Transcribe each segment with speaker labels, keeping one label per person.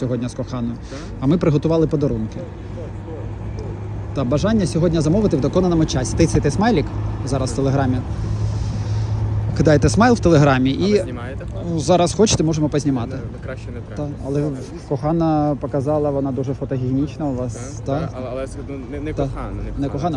Speaker 1: сьогодні з коханою, а ми приготували подарунки. Та бажання сьогодні замовити в доконаному часі. Тицяйте смайлік зараз в Телеграмі. Кидайте смайл в Телеграмі і
Speaker 2: ви знімаєте?
Speaker 1: зараз хочете, можемо познімати.
Speaker 2: Краще не
Speaker 1: Та,
Speaker 2: треба.
Speaker 1: але кохана показала, вона дуже фотогенічна у вас.
Speaker 2: Але не кохана.
Speaker 1: Не кохана,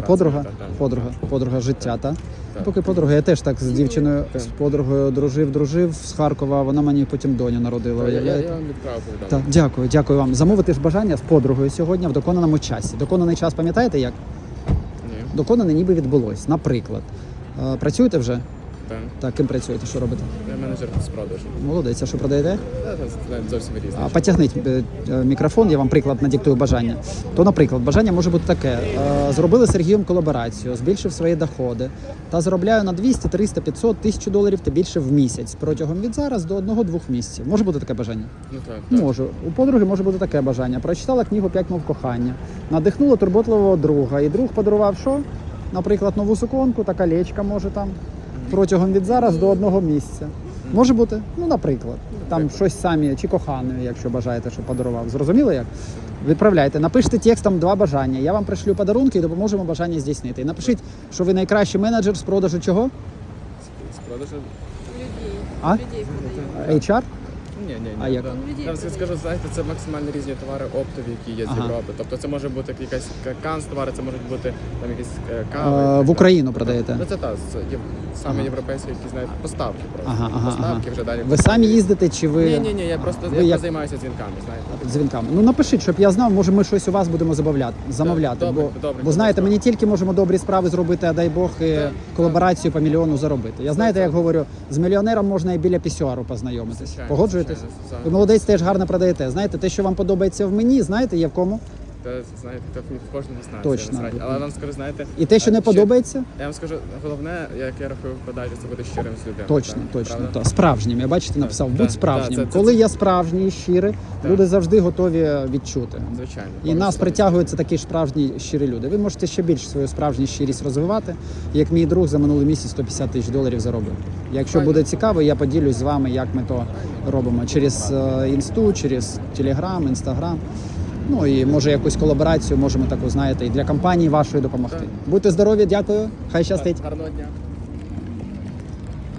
Speaker 1: подруга життя, так? Поки подруга, я теж так з дівчиною, з подругою дружив з Харкова, вона мені потім доню народила.
Speaker 2: Я вам відправив повідомлення.
Speaker 1: Дякую вам. Замовити ж бажання з подругою сьогодні в доконаному часі. Доконаний час пам'ятаєте як?
Speaker 2: Ні.
Speaker 1: Доконане ніби відбулось. Наприклад, працюєте вже?
Speaker 2: Так.
Speaker 1: Так, ким працюєте, що робите?
Speaker 2: Я менеджер з продажу.
Speaker 1: Молодець, а що продаєте?
Speaker 2: Зовсім різні.
Speaker 1: Потягніть мікрофон, я вам приклад надиктую бажання. То, наприклад, бажання може бути таке. Зробили з Сергієм колаборацію, збільшив свої доходи та заробляю на 200, 300, 500, 1000 доларів та більше в місяць протягом від зараз до 1-2 місяців. Може бути таке бажання?
Speaker 2: Ну так.
Speaker 1: Може. У подруги може бути таке бажання. Прочитала книгу «5 мов кохання», надихнула турботливого друга, і друг подарував що? Наприклад, нову суконку та колечко може там. Протягом від зараз до 1 місяця. Може бути? Ну, наприклад. Там щось самі, чи коханою, якщо бажаєте, щоб подарував. Зрозуміло як? Відправляйте. Напишіть текстом 2 бажання. Я вам пришлю подарунки і допоможемо бажання здійснити. І напишіть, що ви найкращий менеджер з продажу чого?
Speaker 2: З продажу?
Speaker 3: Людей.
Speaker 1: А?
Speaker 3: Людей продаю.
Speaker 1: HR?
Speaker 2: Ні.
Speaker 1: А як?
Speaker 2: Я вам скажу, знаєте, це максимально різні товари оптові, які є з Європи. Тобто це може бути якась канцтовари, це можуть бути там якісь кави.
Speaker 1: В Україну продаєте?
Speaker 2: Ну це так, саме європейські, які знають поставки просто. Поставки вже далі.
Speaker 1: Ви самі їздите чи ви?
Speaker 2: Ні, я просто займаюся дзвінками, знаєте.
Speaker 1: Дзвінками. Ну напишіть, щоб я знав, може ми щось у вас будемо замовляти.
Speaker 2: Добре,
Speaker 1: бо знаєте, ми не тільки можемо добрі справи зробити, а дай Бог і колаборацію по мільйону заробити. Я знаєте, як говорю, з мільйонером можна і біля пісюару познайомитись.
Speaker 2: Звичайно,
Speaker 1: Погоджуєтесь?
Speaker 2: звичайно.
Speaker 1: Ви молодець, теж гарно продаєте. Знаєте, те, що вам подобається в мені, знаєте, є в кому?
Speaker 2: Та, знаєте, то в кожному знає.
Speaker 1: Точно.
Speaker 2: Але вам скажу, знаєте...
Speaker 1: І те, що не подобається?
Speaker 2: Я вам скажу, головне, як я рахую в подачі, це бути щирим з людиною.
Speaker 1: Точно. Так. Справжнім. Я бачите, написав, будь справжнім.
Speaker 2: це-
Speaker 1: Коли я справжній і щирий, люди завжди готові відчути.
Speaker 2: Звичайно.
Speaker 1: І нас притягуються такі ж справжні щирі люди. Ви можете ще більше свою справжню щирість розвивати. Як мій друг за минулий місяць 150 тисяч доларів заробив. Якщо буде цікаво, я поділюсь з вами, як ми то робимо. Через інсту, через телеграм, інстаграм. Ну і може якусь колаборацію можемо таку, знаєте, і для компанії вашої допомогти. Будьте здорові, дякую. Хай щастить.
Speaker 2: Гарного дня.